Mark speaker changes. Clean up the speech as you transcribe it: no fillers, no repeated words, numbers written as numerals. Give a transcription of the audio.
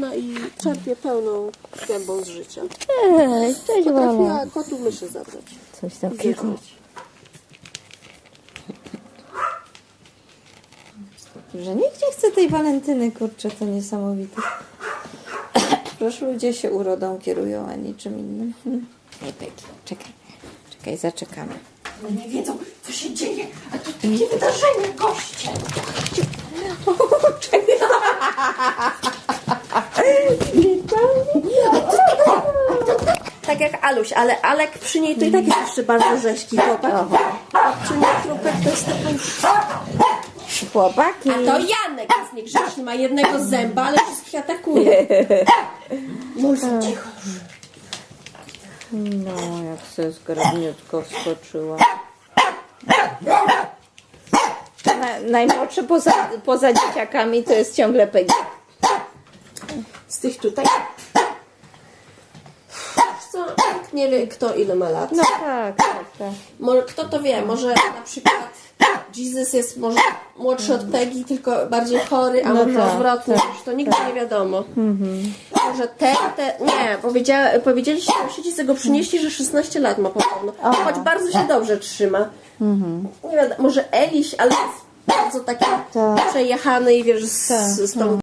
Speaker 1: No i czerpie pełną gębą z życia.
Speaker 2: Cześć mama.
Speaker 1: Potrafiła kotu myszy zabrać.
Speaker 2: Coś takiego. Że nikt nie chce tej walentyny, kurczę, to niesamowite. Proszę, ludzie się urodą kierują, a niczym innym. Nie, Peki, czekaj, zaczekamy.
Speaker 1: No nie wiedzą, co się dzieje, a tu takie wydarzenie, goście. Tak jak Aluś, ale Alek przy niej to i tak jest jeszcze bardzo rzeźki chłopak. A przy niej trupek to jest taki...
Speaker 2: Chłopaki.
Speaker 1: A to Janek jest niegrzeczny, ma jednego zęba, ale wszystkich atakuje. Może cicho już.
Speaker 2: No, jak se zgrabniutko wskoczyła. Najmłodszy poza dzieciakami to jest ciągle Peggy.
Speaker 1: Z tych tutaj. Wiesz co, nikt nie wie, kto ile ma lat.
Speaker 2: No tak.
Speaker 1: Może, kto to wie, może na przykład Jesus jest może młodszy od Peggy, tylko bardziej chory, a
Speaker 2: No
Speaker 1: może
Speaker 2: tak,
Speaker 1: odwrotnie,
Speaker 2: tak,
Speaker 1: już to nigdy nie wiadomo. Może nie, powiedzieliście sąsiedzi, go przynieśli, że 16 lat ma podobno, choć bardzo się dobrze trzyma. Nie wiadomo, może Eliś, ale jest bardzo taki przejechany i wiesz, z tą